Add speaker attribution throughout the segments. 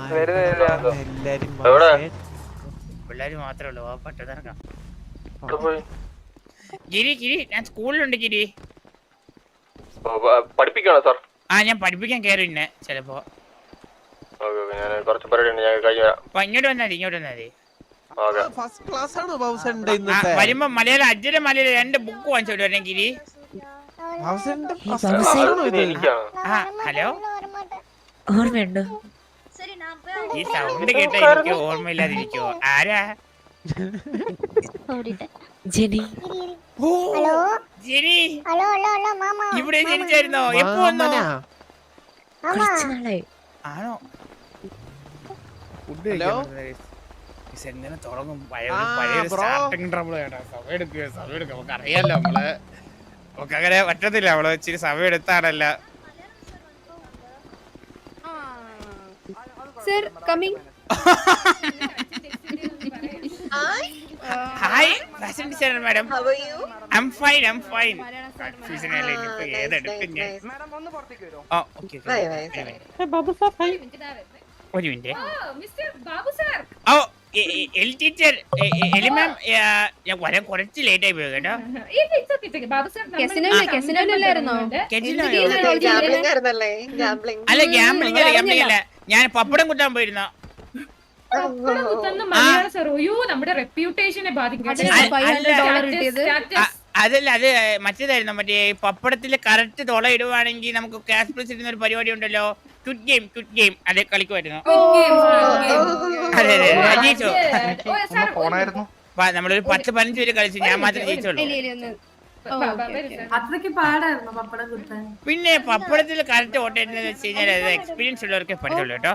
Speaker 1: പിള്ളേര് മാത്രമേ ഉള്ളൂ പട്ടത്തിറക്കാം. ഗിരി ഗിരി ഞാൻ സ്കൂളിലുണ്ട് ഗിരി.
Speaker 2: പഠിപ്പിക്കണോ സാർ?
Speaker 1: ഞാൻ പഠിപ്പിക്കാൻ കയറിന്നെ ചിലപ്പോ. ഇങ്ങോട്ട് വന്നാ മതി. വരുമ്പോ മലയാളം അജ്ജര മലയാളം 2 ബുക്ക് വാങ്ങിച്ചോട്ട് വരണേ ഗിരി. ഹലോ
Speaker 3: ഓർമ്മയുണ്ടോ?
Speaker 1: ഈ സൗണ്ട് കേട്ടാ എനിക്ക് ഓർമ്മയില്ലാതിരിക്കോ? ആരാ?
Speaker 3: ജെനി.
Speaker 1: ജെനി ഇവിടെ ജനിച്ചായിരുന്നോ? എപ്പോ വന്നോ? ആണോ? എങ്ങനെ തുടങ്ങും? പഴയ സ്റ്റാർട്ടിങ് ട്രബിൾ കേട്ടോ. സമയം എടുക്കും. നമുക്ക് അറിയാലോ നമുക്ക് അങ്ങനെ പറ്റത്തില്ല. അവള് ഇച്ചിരി സമയം എടുത്താണല്ല.
Speaker 4: Sir, coming.
Speaker 1: Hi, fashion designer madam.
Speaker 5: How are you?
Speaker 1: I'm fine. Confusion ആയില്ലേ ഇപ്പോ ഏതെടുക്കും ഞാൻ?
Speaker 5: Madam ഒന്ന് പുറത്തേക്ക് വരോ?
Speaker 1: Okay.
Speaker 4: Babu sir, hi.
Speaker 1: ഒരു minute.
Speaker 4: Mr. Babu sir.
Speaker 1: L teacher എലി മാം ഞാൻ വരാൻ കുറച്ച് ലേറ്റ് ആയി പോയി കേട്ടോ. അല്ല ഗാംബ്ലിംഗ് അല്ല ഞാൻ പപ്പടം കുത്താൻ പോയിരുന്ന.
Speaker 4: നമ്മുടെ റെപ്യൂട്ടേഷനെ ബാധിക്കും.
Speaker 1: അതല്ല അത് മറ്റേതായിരുന്നു. മറ്റേ പപ്പടത്തില് കറക്റ്റ് തുള ഇടുവാണെങ്കിൽ നമുക്ക് ക്യാഷ് പ്രൈസ് ഇടുന്ന ഒരു പരിപാടി ഉണ്ടല്ലോ. ക്വിറ്റ് ഗെയിം അത് കളിക്കുമായിരുന്നു. അതെ ജയിച്ചോ? നമ്മളൊരു 10-15 പേര് കളിച്ചു. ഞാൻ മാത്രമേ ജയിച്ചോളൂ. പിന്നെ പപ്പടത്തിൽ കറക്റ്റ് ഓട്ടേന്ന് വെച്ച് കഴിഞ്ഞാൽ അത് എക്സ്പീരിയൻസ് ഉള്ളവർക്കെ പഠിച്ചുള്ളൂ കേട്ടോ.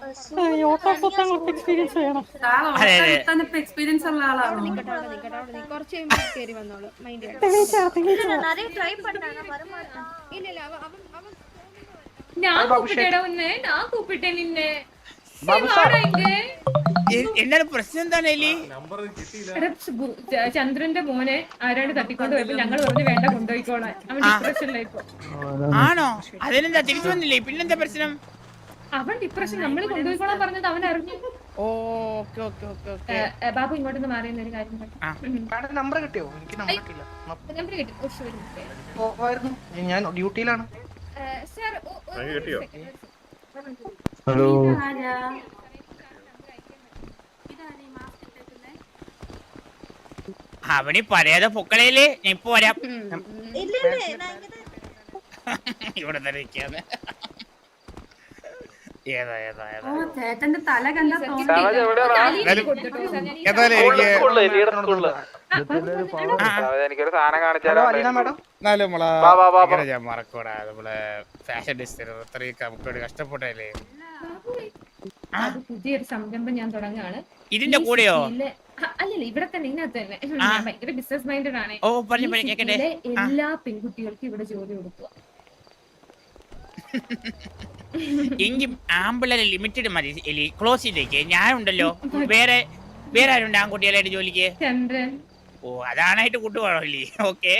Speaker 1: എന്താണ് പ്രശ്നം? എന്താണ് എലി?
Speaker 4: ചന്ദ്രന്റെ മോനെ ആരാണ്ട് തട്ടിക്കൊണ്ട് പോയപ്പോ ഞങ്ങൾ പറഞ്ഞു വേണ്ട കൊണ്ടുപോയിക്കോളാൻ. അവൻ ഡിപ്രഷനിലായിപ്പോ.
Speaker 1: ആണോ? അതിനെന്താ തിരിച്ചു വന്നില്ലേ? പിന്നെന്താ പ്രശ്നം?
Speaker 4: അവൻ ഡിപ്രഷൻ നമ്മൾ കൊണ്ടുപോയിക്കോളാൻ പറഞ്ഞത് അവൻ അറിഞ്ഞു. ബാബു ഇങ്ങോട്ടൊന്ന് മാറിയുന്ന ഒരു കാര്യം
Speaker 5: നമ്പർ കിട്ടിയോ? എനിക്ക് നമ്പർ കിട്ടില്ല. ഞാൻ ഡ്യൂട്ടിയിലാണ്.
Speaker 2: ഹലോ
Speaker 1: അവന് പറയാതെ പൊക്കളയില് ഞാൻ ഇപ്പൊ വരാം. ഇവിടെ തന്നെ ഇരിക്കാന്ന്.
Speaker 4: ചേട്ടന്റെ തല കണ്ട
Speaker 2: എനിക്കൊരു സാധനം കാണിച്ചാലോ?
Speaker 1: ഞാൻ മറക്കൂടാ. നമ്മളെ ഫാഷൻ ഡിസൈനർ അത്രയും നമുക്ക് കഷ്ടപ്പെട്ടല്ലേ.
Speaker 4: പുതിയൊരു സംരംഭം ഞാൻ തുടങ്ങാണ്.
Speaker 1: ഇതിന്റെ കൂടെയോ?
Speaker 4: അല്ലല്ല, ഇവിടെ തന്നെ ഇതിനകത്ത് തന്നെ. ഭയങ്കര ബിസിനസ് മൈൻഡഡ് ആണ്. എല്ലാ പെൺകുട്ടികൾക്കും ഇവിടെ ജോലി കൊടുക്കുക.
Speaker 1: എങ്കിൽ ആമ്പിള്ളേരെ ലിമിറ്റഡ് മതി എലി. ക്ലോസിലേക്ക് ഞാനുണ്ടല്ലോ. വേറെ ആരുണ്ട് ആൺകുട്ടികളായിട്ട് ജോലിക്ക്?
Speaker 4: ചന്ദ്രൻ.
Speaker 1: ഓ അതാണായിട്ട് കൂട്ടുപോകണോ എലി? ഓക്കെ.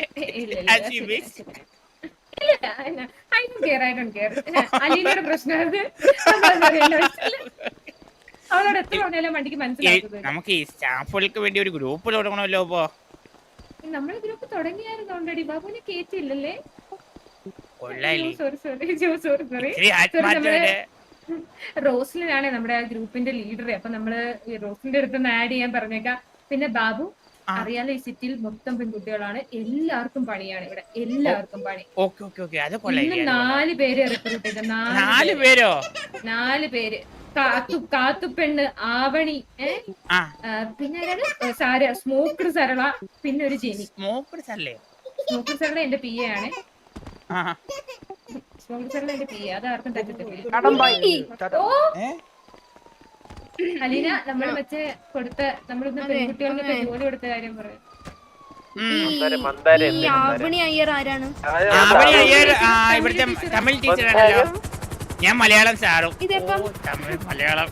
Speaker 4: അലീനയുടെ പ്രശ്നം അവളോട് എത്ര പറഞ്ഞാലും വണ്ടിക്ക് മനസ്സിലാക്കുന്നത്.
Speaker 1: നമുക്ക് ഈ സ്റ്റാഫുകൾക്ക് വേണ്ടി ഒരു ഗ്രൂപ്പ് തുടങ്ങണമല്ലോ. ഇപ്പൊ
Speaker 4: നമ്മള് ഗ്രൂപ്പ് തുടങ്ങിയായിരുന്നു ഓൾറെഡി. ബാബുവിനെ കേറ്റില്ലല്ലേ? റോസ്ലിനാണ് നമ്മുടെ ഗ്രൂപ്പിന്റെ ലീഡർ. അപ്പൊ നമ്മള് റോസ്ലിന്റെ അടുത്ത് ആഡ് ചെയ്യാൻ പറഞ്ഞേക്കാം. പിന്നെ ബാബു അറിയാലോ, ഈ സിറ്റിയിൽ മൊത്തം പെൺകുട്ടികളാണ്. എല്ലാവർക്കും പണിയാണ് ഇവിടെ. എല്ലാവർക്കും പണി. 4 പേര് റിക്രൂട്ട് ചെയ്ത.
Speaker 1: 4 പേരോ?
Speaker 4: 4 പേര്. കാത്തുപെണ്ണ്, ആവണി, പിന്നെ സാര, സ്മോക്കർ സരള, പിന്നെ ഒരു ജെനി.
Speaker 1: സ്മോക്കർ
Speaker 4: സരള എന്റെ പി എ ആണ്. സ്മോക്കർ സരള എന്റെ പി എ. അതാർക്കും തെറ്റിട്ടില്ല. അലീന, നമ്മൾ മറ്റേ കൊടുത്ത നമ്മളിന്ന് പെൺകുട്ടികൾക്ക് ജോലി കൊടുത്ത കാര്യം പറയാം.
Speaker 3: ആവണി അയ്യർ ആരാണ്?
Speaker 1: ഇവിടുത്തെ തമിഴ് ടീച്ചറാണല്ലോ. ഞാൻ മലയാളം സാറും. തമിഴ് മലയാളം.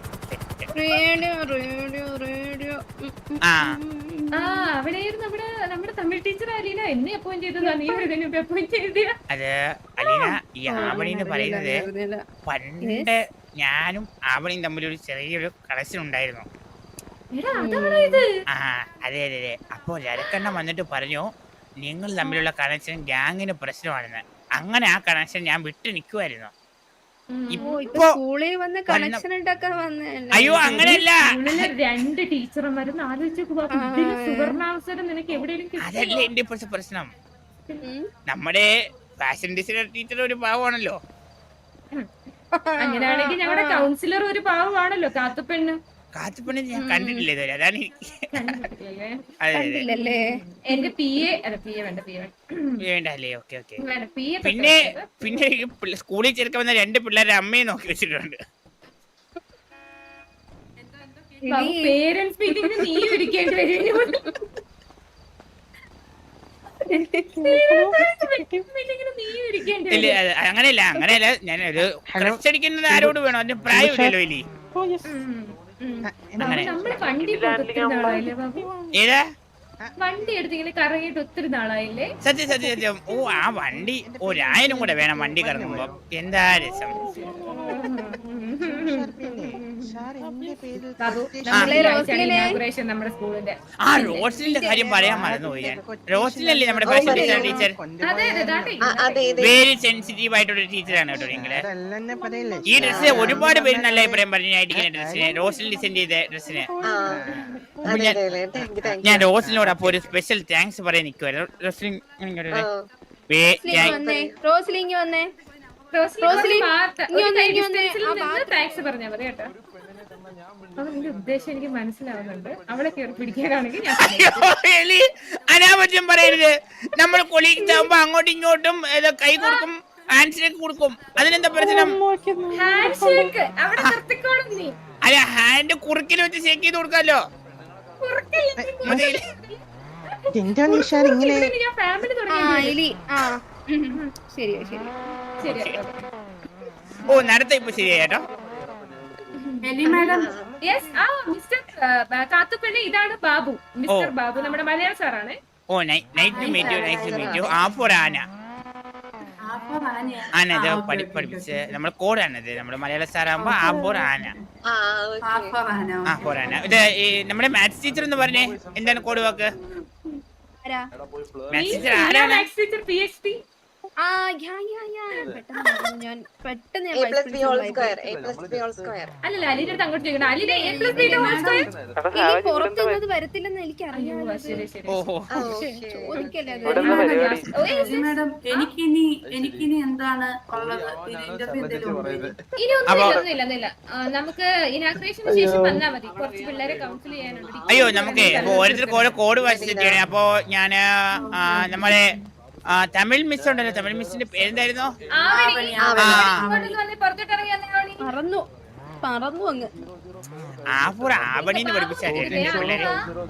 Speaker 4: അവിടെയായിരുന്നു നമ്മുടെ തമിഴ് ടീച്ചർ അലീന. എന്നെ അപ്പോയിന്റ് ചെയ്തതാ. നീ അപ്പോയിന്റ് ചെയ്ത?
Speaker 1: അത് അലീന, ഈ ആവണി എന്ന് പറയുന്നത് പണ്ട് ഞാനും അവനും തമ്മിലൊരു ചെറിയൊരു കണക്ഷൻ ഉണ്ടായിരുന്നു.
Speaker 4: എടാ അതാണോ ഇത്?
Speaker 1: ആ അതെ അതെ അതെ. അപ്പോൾ രരക്കണ്ണൻ വന്നിട്ട് പറഞ്ഞു നിങ്ങൾ തമ്മിലുള്ള കണക്ഷൻ ഗ്യാങ്ങിന് പ്രശ്നമാണെന്ന്. അങ്ങനെ ആ കണക്ഷൻ ഞാൻ വിട്ട് നിൽക്കുമായിരുന്നു. ഇപ്പൊ
Speaker 3: സ്കൂളിൽ വന്ന് കണക്ഷൻ ഉണ്ടാക്കാൻ വന്നതല്ലേ?
Speaker 1: അയ്യോ അങ്ങനെയല്ല,
Speaker 4: സ്കൂളിലെ 2 ടീച്ചർമാരും ആലോചിച്ചു സുവർണാവസരം നിനക്ക് എവിടെയെങ്കിലും
Speaker 1: അതല്ലേ എന്റെ ഇപ്പോഴത്തെ പ്രശ്നം. നമ്മുടെ ഫാഷൻ ഡിസൈനർ ടീച്ചർ ഒരു പാവമാണല്ലോ.
Speaker 4: അങ്ങനെയാണെങ്കിൽ ഞങ്ങളുടെ കൗൺസിലർ ഒരു പാവമാണല്ലോ, കാത്തുപെണ്ണ്.
Speaker 1: കാത്തുപണി ഞാൻ കണ്ടിട്ടില്ല ഇതുവരെ, അതാണ് എനിക്ക്. അതെ അതെ
Speaker 3: കണ്ടില്ലല്ലേ?
Speaker 4: എന്റെ PA അല്ല PA വേണ്ട
Speaker 1: വേണ്ടല്ലേ. Okay okay.
Speaker 4: വേണ്ട PA.
Speaker 1: പിന്നെ സ്കൂളിൽ ചേർക്കാൻ വന്ന 2 പിള്ളേരെ അമ്മയെ നോക്കി വെച്ചിട്ടുണ്ട്.
Speaker 4: പേരൻസ് മീറ്റിംഗിന് നീ ഇരിക്കേണ്ടി വരും.
Speaker 1: ഇല്ല അങ്ങനെയല്ല ഞാൻ ഒരു ക്രഷ് അടിക്കുന്നത് ആരോട് വേണം, അതിന് പ്രായമില്ലല്ലോ ഇനി. അങ്ങനെ
Speaker 4: നമ്മള് വണ്ടി ഒത്തിരി നാളായില്ലേ ബാബു?
Speaker 1: ഏതാ
Speaker 4: വണ്ടി എടുത്ത് ഇങ്ങനെ കറങ്ങിയിട്ട് ഒത്തിരി നാളായില്ലേ?
Speaker 1: സത്യം. ഓ ആ വണ്ടി ഒരായിരം കൂടെ വേണം വണ്ടി കറങ്ങുമ്പോ, എന്താ രസം.
Speaker 4: ബാബു ഇനാഗുറേഷൻ നമ്മുടെ സ്കൂളിന്റെ.
Speaker 1: ആ റോസ്ലിന്റെ കാര്യം പറയാൻ മറന്നുപോയി ഞാൻ. റോസ്ലിനല്ലേ നമ്മുടെ ഫാഷൻ ഡിസൈനർ ടീച്ചർ?
Speaker 4: അതെ
Speaker 1: വെരി സെൻസിറ്റീവ് ആയിട്ടൊരു ടീച്ചറാണ് കേട്ടോ നിങ്ങള്. ഈ ഡ്രസ്സിന് ഒരുപാട് പേര് നല്ല അഭിപ്രായം പറഞ്ഞു ഞാൻ ഇരിക്കുന്ന ഡ്രസ്സിന്, റോസ്ലിൻ ഡിസൈൻ ചെയ്ത ഡ്രസ്സിന്. ഞാൻ റോസ്ലിനോട് അപ്പൊ ഒരു സ്പെഷ്യൽ താങ്ക്സ് പറയാൻ നിൽക്കുവായിരുന്നു. റോസ്ലിൻ
Speaker 3: റോസ്ലിങ് വന്നേ.
Speaker 4: താങ്ക്സ് പറഞ്ഞാ മതി കേട്ടോ. അപ്പൊ നിന്റെ ഉദ്ദേശം എനിക്ക് മനസ്സിലാവുന്നുണ്ട്. അവളെ കയറി പിടിക്കാനാണെങ്കിൽ
Speaker 1: അനാപത്യം പറയരുത്. നമ്മൾ കൊളീഗ്സ് ആകുമ്പോ അങ്ങോട്ടും ഇങ്ങോട്ടും കൈ കൊടുക്കും, ഹാൻഡ് ഷേക്ക് കൊടുക്കും. അതിനെന്താ പ്രശ്നം? അല്ല ഹാൻഡ് കുറുക്കിൽ വെച്ച് ഷേക്ക് ചെയ്ത് കൊടുക്കാലോ. ഓ നടത്ത ഇപ്പൊ ശരിയാട്ടോ.
Speaker 4: കാത്തുപെണ്ണി ഇതാണ് ബാബു, മിസ്റ്റർ ബാബു, നമ്മുടെ മലയാള സാറാണ്.
Speaker 1: Oh nice to meet you. ആന ഇത് പഠിപ്പിച്ച് നമ്മൾ കോഡാണത്. നമ്മുടെ മലയാള സാറാകുമ്പോ ആപ്പോർ ആന. ഇത് നമ്മുടെ മാത്സ് ടീച്ചർ എന്ന് പറഞ്ഞേ, എന്താണ് കോഡ് വാക്ക്? മാത്സ് ടീച്ചർ ആരാണ്?
Speaker 4: PhD. അല്ലല്ല അലിയുടെ അടുത്ത് അങ്ങോട്ട് ചോദിക്കണം. അലിയുടെ
Speaker 3: പുറത്തുള്ളത് വരത്തില്ലെന്ന് എനിക്കറിയാം.
Speaker 6: എനിക്കിനി എന്താണ് ഉള്ളത്?
Speaker 4: ഇനിയൊന്നുമില്ല. നമുക്ക് ഇനാഗ്രേഷന് ശേഷം വന്നാൽ മതി. കുറച്ച് പിള്ളേരെ കൗൺസിൽ ചെയ്യാനുണ്ട്.
Speaker 1: അയ്യോ നമുക്ക് ഓരോരുത്തർക്ക് ഓരോ കോഡ് വായിച്ചിട്ടാണ്. അപ്പൊ ഞാന് നമ്മുടെ തമിഴ് മിസ് ഉണ്ടല്ലോ, തമിഴ് മിസ്സിന്റെ പേരെന്തായിരുന്നു?
Speaker 3: പറന്നു അങ്ങ്
Speaker 1: ആവണിന്ന് പഠിപ്പിച്ചായിരുന്നു പിള്ളേരെ.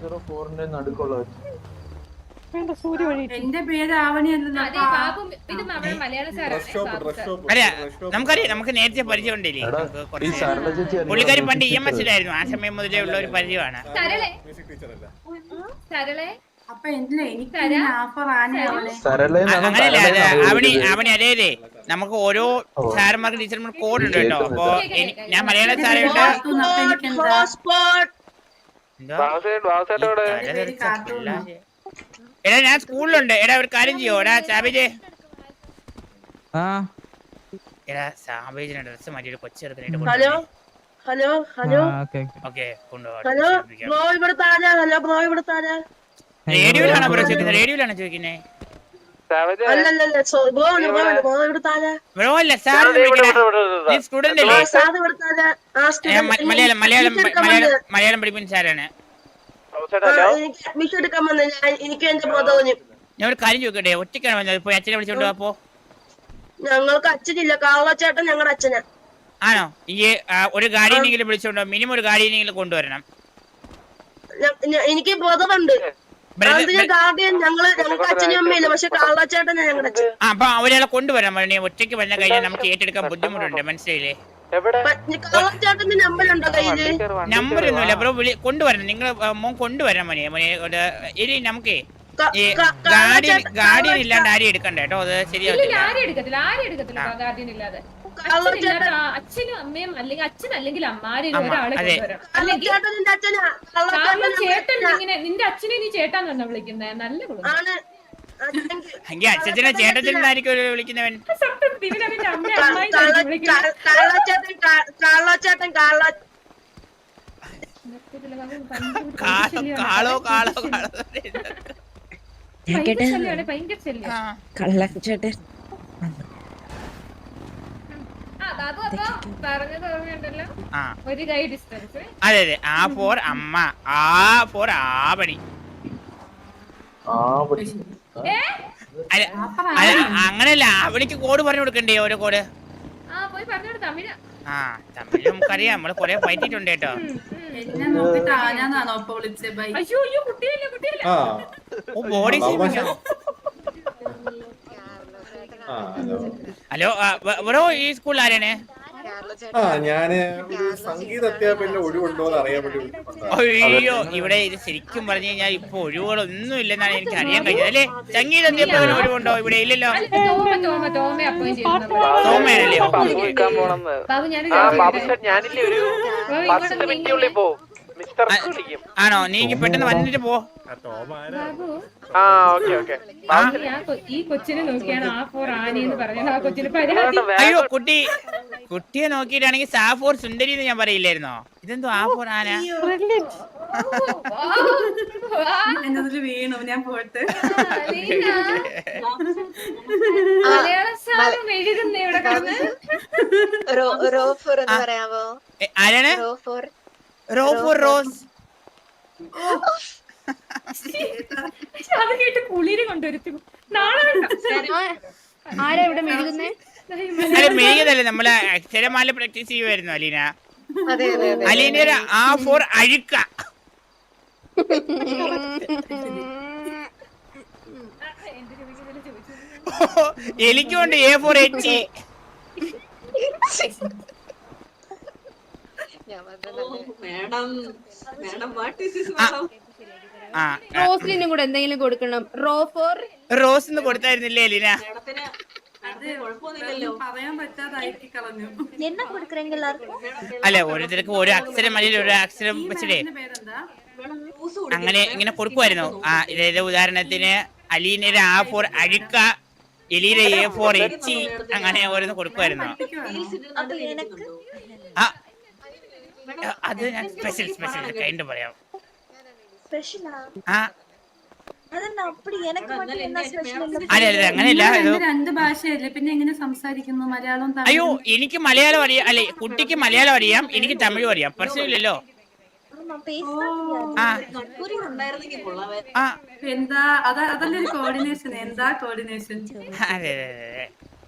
Speaker 6: എന്റെ പേര് ആവണിയല്ല.
Speaker 1: അല്ല നമുക്കറിയാം, നമുക്ക് നേരത്തെ പരിചയം ഉണ്ടല്ലേ. പുള്ളിക്കാരി പണ്ട് EMS ലായിരുന്നു. ആ സമയം മുതലേ ഉള്ള ഒരു പരിചയമാണ്.
Speaker 6: അപ്പൊ എനിക്ക്
Speaker 1: അങ്ങനെയല്ല അവണി അതെ നമുക്ക് ഓരോ സാറന്മാർക്ക് ടീച്ചർമാർക്ക് കോഡ് ഉണ്ട് കേട്ടോ. അപ്പൊ ഞാൻ മലയാള സാറുണ്ട്. എടാ ഞാൻ സ്കൂളിലുണ്ട്. എടാ ഒരു കാര്യം ചെയ്യോ? എടാ സാബേജ്, എടാ സാബേജിന്റെ ഡ്രസ് മാറ്റി ഒരു കൊച്ചെടുക്കാനായിട്ട്. ഓക്കെ റേഡിയോയിലാണോ ബ്രോ ചോദിക്കുന്നത്? റേഡിയോയിലാണോ ചോദിക്കുന്നത്? ബ്രോ അല്ല സാർ സ്റ്റുഡന്റ് അല്ലേ? മലയാളം പഠിപ്പിക്കുന്ന സാറാണ്. ഞാൻ ഒരു കാര്യം ചോദിക്കട്ടെ, ഒറ്റയ്ക്കാണ് വന്നത്? ഇപ്പൊ അച്ഛനെ വിളിച്ചോണ്ട് അപ്പോ
Speaker 7: ഞങ്ങൾക്ക് അച്ഛനില്ല, കാവളച്ചേട്ടൻ ഞങ്ങളുടെ അച്ഛനാ.
Speaker 1: ആണോ? ഈ ഒരു ഗാർഡിയനെങ്കിലും വിളിച്ചോണ്ടോ? മിനിമം ഒരു ഗാർഡിയനെങ്കിലും കൊണ്ടുവരണം.
Speaker 7: എനിക്ക് ബോധമുണ്ട്. ഞങ്ങൾക്ക് അച്ഛനും അമ്മയില്ല, പക്ഷെ കാവളച്ചേട്ടൻ ഞങ്ങളുടെ അച്ഛൻ.
Speaker 1: അപ്പൊ അവരെല്ലാം കൊണ്ടുവരാൻ പറഞ്ഞു. ഒറ്റയ്ക്ക് വന്ന കഴിഞ്ഞാൽ നമുക്ക് ഏറ്റെടുക്കാൻ ബുദ്ധിമുട്ടുണ്ട്, മനസ്സിലായില്ലേ?
Speaker 7: കാവളച്ചേട്ടന്റെ നമ്പറുണ്ടോ കയ്യില്?
Speaker 1: നമ്പറൊന്നുമില്ല ബ്രോ, കൊണ്ടുവരണം. നിങ്ങൾ മോൻ കൊണ്ടുവരാൻ മോനെ. ഇനി നമുക്കേ ഗാർഡിയൻ ഇല്ലാണ്ട് ആരെയും എടുക്കണ്ട കേട്ടോ. അത് ശരിയാവില്ല.
Speaker 4: ആരും എടുക്കത്തില്ല ഗാർഡിയൻ ഇല്ലാതെ. അച്ഛനില്ലാത്ത അച്ഛനും അമ്മയും അല്ലെങ്കിൽ അച്ഛൻ അല്ലെങ്കിൽ അമ്മാരും ഒരാളെ
Speaker 1: അതെ.
Speaker 4: കൊണ്ടുവരണം. അല്ലെങ്കിൽ
Speaker 7: കള്ളച്ചാട്ടൻ നിന്റെ അച്ഛനാ.
Speaker 4: കാരണം
Speaker 7: കള്ളച്ചാട്ടൻ
Speaker 4: ചേട്ടൻ ഇങ്ങനെ നിന്റെ അച്ഛനെ നീ ചേട്ടാന്നാ വിളിക്കുന്നത്. നല്ല കുടുംബം.
Speaker 7: ആണ്.
Speaker 1: എങ്കിൽ അച്ഛനെ ചേട്ടത്തിനായിരിക്കും വിളിക്കുന്നവൻ.
Speaker 4: സത്യം ഇവനവന്റെ അമ്മ അമ്മായി വിളിക്കുന്നത്.
Speaker 7: കള്ളച്ചാട്ടൻ
Speaker 1: കാളോ കാളോ കാളോ.
Speaker 4: ഭയങ്കര ശല്യമാണ്, ഭയങ്കര ശല്യം.
Speaker 8: കള്ളച്ചേട്ടൻ
Speaker 4: ബാബു അപ്പൊ പറഞ്ഞത് ഓർമ്മയുണ്ടല്ലോ,
Speaker 1: ആ
Speaker 4: ഒരു കൈ ഡിസ്റ്റൻസ്.
Speaker 1: അതെ അതെ. ആ ഫോർ അമ്മ, ആ ഫോർ ആവണി. അല്ല അങ്ങനെയല്ല, അവനിക്ക് കോഡ് പറഞ്ഞു കൊടുക്കണ്ടേ? ഓരോ കോഡ്
Speaker 4: പോയി പറഞ്ഞോട് തമിഴ്.
Speaker 1: ആ തമിഴ് നമുക്കറിയാം, നമ്മള് കൊറേ പറ്റിട്ടുണ്ട് കേട്ടോ.
Speaker 6: എന്നെ നോക്കിട്ട് ആരാന്നാണോ ഇപ്പൊ വിളിച്ചത്? ബൈ.
Speaker 4: അയ്യോ അയ്യോ കുട്ടിയല്ലേ കുട്ടിയല്ലേ.
Speaker 1: ഓ ബോഡി ഷേമിങ്ങോ? ഹലോ ബ്രോ, ഈ സ്കൂളിൽ ആരാണ്?
Speaker 9: ഞാന് ഒരു സംഗീത അധ്യാപകന്റെ ഒഴിവുണ്ടോന്ന് അറിയാൻ വേണ്ടി വിളിച്ചിട്ടുണ്ടായിരുന്നു.
Speaker 1: അയ്യോ, ഇവിടെ ഇത് ശരിക്കും പറഞ്ഞു കഴിഞ്ഞാൽ ഇപ്പൊ ഒഴിവുകളൊന്നും ഇല്ലെന്നാണ് എനിക്ക് അറിയാൻ കഴിഞ്ഞത്. അല്ലേ, സംഗീത അധ്യാപകന് ഒഴിവുണ്ടോ? ഇവിടെ ഇല്ലല്ലോ.
Speaker 4: തോമ അപ്പോയിന്റ് ചെയ്യുന്നു.
Speaker 1: സോമയാണല്ലേ?
Speaker 4: ബാബു ഞാൻ
Speaker 2: ഞാനില്ലേ ഒരു 10 മിനിറ്റുള്ളിൽ പോവും. മിസ്റ്റർ വിളിക്കും.
Speaker 1: ആണോ? നീ പെട്ടെന്ന് വന്നിട്ട് പോ.
Speaker 4: ബാബു
Speaker 2: ആ ഓക്കെ ഓക്കെ.
Speaker 4: ഈ കൊച്ചിനെ നോക്കിയാണ് ആ ഫോർ ആനി എന്ന് പറഞ്ഞത്. ആ കൊച്ചിന് പരാതി.
Speaker 1: അയ്യോ, കുട്ടിയെ നോക്കിയിട്ടാണെങ്കിൽ സാഫോർ സുന്ദരി എന്ന് ഞാൻ പറയില്ലായിരുന്നോ? ഇതെന്തോ ആ ഫോർ ആന?
Speaker 6: എന്നതിൽ വീണു, ഞാൻ പോയിട്ട്.
Speaker 4: മലയാള സാറും എഴുതുന്ന ഇവിടെ കിടന്ന്.
Speaker 8: റോഫോർ എന്ന് പറയാമോ?
Speaker 1: ആരാണ്? റോഫോർ റോസ്.
Speaker 4: അത് കേട്ട് കുളിര് കൊണ്ടുവരുത്തി. നാളെ
Speaker 3: ആരാ ഇവിടെ മെഴുകുന്നേ?
Speaker 1: അല്ല, മെഴുകതല്ലേ, നമ്മള് അക്ഷരമാല പ്രാക്ടീസ് ചെയ്യുമായിരുന്നു അലീന. അലീന ആ ഫോർ അഴുക്ക. എനിക്കുണ്ട് എ ഫോർ എച്ച്.
Speaker 3: റോസ്ലിനും കൂടെ എന്തെങ്കിലും കൊടുക്കണം.
Speaker 1: റോസ് എന്ന് കൊടുത്തായിരുന്നില്ലേ അലീന?
Speaker 6: പറയാൻ പറ്റാതാക്കി കളഞ്ഞു.
Speaker 1: അല്ല, ഓരോരുത്തർക്ക് ഓരോ അക്ഷരം അല്ലെങ്കിൽ ഒരു അക്ഷരം വെച്ചിട്ടേ
Speaker 6: പേരെന്താ?
Speaker 1: അങ്ങനെ ഇങ്ങനെ കൊടുക്കുമായിരുന്നു. ആ ഇതേത് ഉദാഹരണത്തിന് അലീനയുടെ ആ ഫോർ അഴുക്ക, എലീയുടെ എ ഫോർ എച്ച്, അങ്ങനെ ഓരോന്ന് കൊടുക്കുമായിരുന്നു. ആ അത് ഞാൻ സ്പെഷ്യൽ കൈൻഡ് പറയാം. ആ അല്ല അല്ല അങ്ങനെയല്ല.
Speaker 6: രണ്ട് ഭാഷയല്ലേ, പിന്നെ എങ്ങനെ സംസാരിക്കുന്നു? മലയാളം
Speaker 1: അയ്യോ, എനിക്ക് മലയാളം അറിയാം. അല്ലെ, കുട്ടിക്ക് മലയാളം അറിയാം, എനിക്ക് തമിഴും അറിയാം. പ്രശ്നമില്ലല്ലോ.
Speaker 6: എന്താ അതല്ലേ ഒരു കോർഡിനേഷൻ? എന്താ കോർഡിനേഷൻ?
Speaker 1: അതെ അതെ അതെ.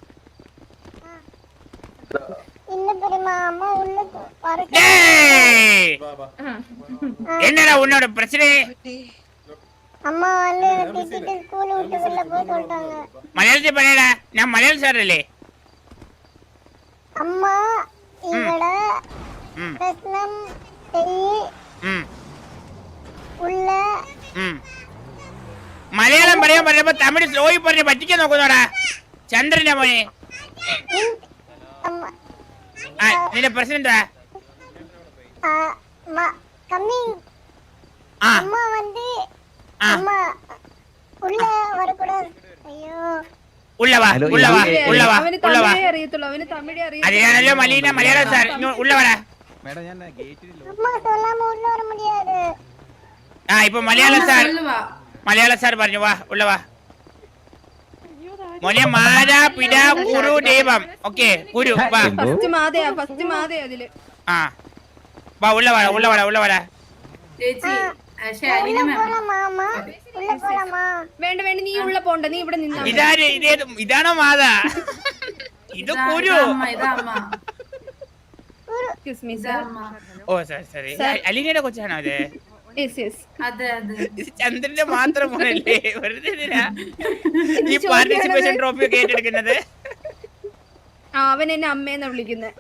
Speaker 1: என்னடா உன்னோட பிரச்சனை?
Speaker 10: அம்மா வந்து திட்டிட்டு ஸ்கூல் விட்டு வெளில போக சொல்லிட்டாங்க.
Speaker 1: மலையாளத்தில் பண்ணடா, நான் மலையாள சார் இல்லே.
Speaker 10: அம்மா இவட பிரശ്നം ഉള്ള
Speaker 1: മലയാളം പറയാൻ പറഞ്ഞപ്പോ തമിഴ് സ്ലോയി പറഞ്ഞ് പറ്റിക്കാൻ നോക്കുന്നോടാ ചന്ദ്രന്റെ മോനെ. നിന്റെ പ്രശ്നം എന്താ?
Speaker 10: கம்மிங் அம்மா வந்து அம்மா உள்ள வரக்கூடாது. ஐயோ,
Speaker 1: உள்ளவா உள்ளவா உள்ளவா உள்ளவா.
Speaker 3: അവന് തമിഴേ അറിയൂ.
Speaker 1: അതെയാണല്ലോ മലീന മലയാളം സാർ. ഉള്ളവരാ
Speaker 10: அம்மா சொல்லாம உள்ள வர முடியாது.
Speaker 1: ആ ഇപ്പൊ മലയാള സാർ പറഞ്ഞു. വാ ഉള്ളവാ മോനെ. മാതാ പിതാ ഗുരു ദൈവം. ഓക്കെ ഗുരു വാ.
Speaker 3: ഫസ്റ്റ് മാതയാ അതില്.
Speaker 1: ആ വാ ഉള്ളവാടാ.
Speaker 6: ചേച്ചി
Speaker 10: போலாமா அம்மா? உள்ள போலாமா?
Speaker 3: വേണ്ട നീ ഉള്ള പോണ്ട, നീ ഇവിടെ നിന്നാ.
Speaker 1: ഇതാണോ മാതാ? ഇത് ഗുരു.
Speaker 3: Excuse me sir.
Speaker 1: Oh sorry. അലീനയുടെ കൊച്ചാണോ അത്?
Speaker 6: അതെ
Speaker 1: ഇത് ചന്ദ്രന്റെ മാത്രം മോനല്ലേ? വെറുതെ ഈ പാർട്ടിസിപ്പേഷൻ ട്രോഫി ഒക്കെ ഏറ്റെടുക്കുന്നത്.
Speaker 3: അവൻ എന്നെ അമ്മേന്നാ വിളിക്കുന്നത്.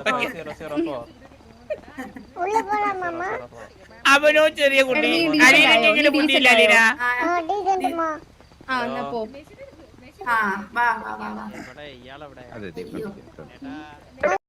Speaker 10: உள்ள போலாமா அம்மா?
Speaker 1: അവനോ ചെറിയ കുട്ടി. അലീനയ്ക്ക് കുട്ടിയില്ല അലീന.
Speaker 10: டீசன்ட்மா.
Speaker 3: എന്നാ പോ.
Speaker 6: ആ വാ വാ വാ വാ
Speaker 1: ഇവിടെ ഇയാളെവിടെ
Speaker 11: അതെ
Speaker 6: അയ്യോ.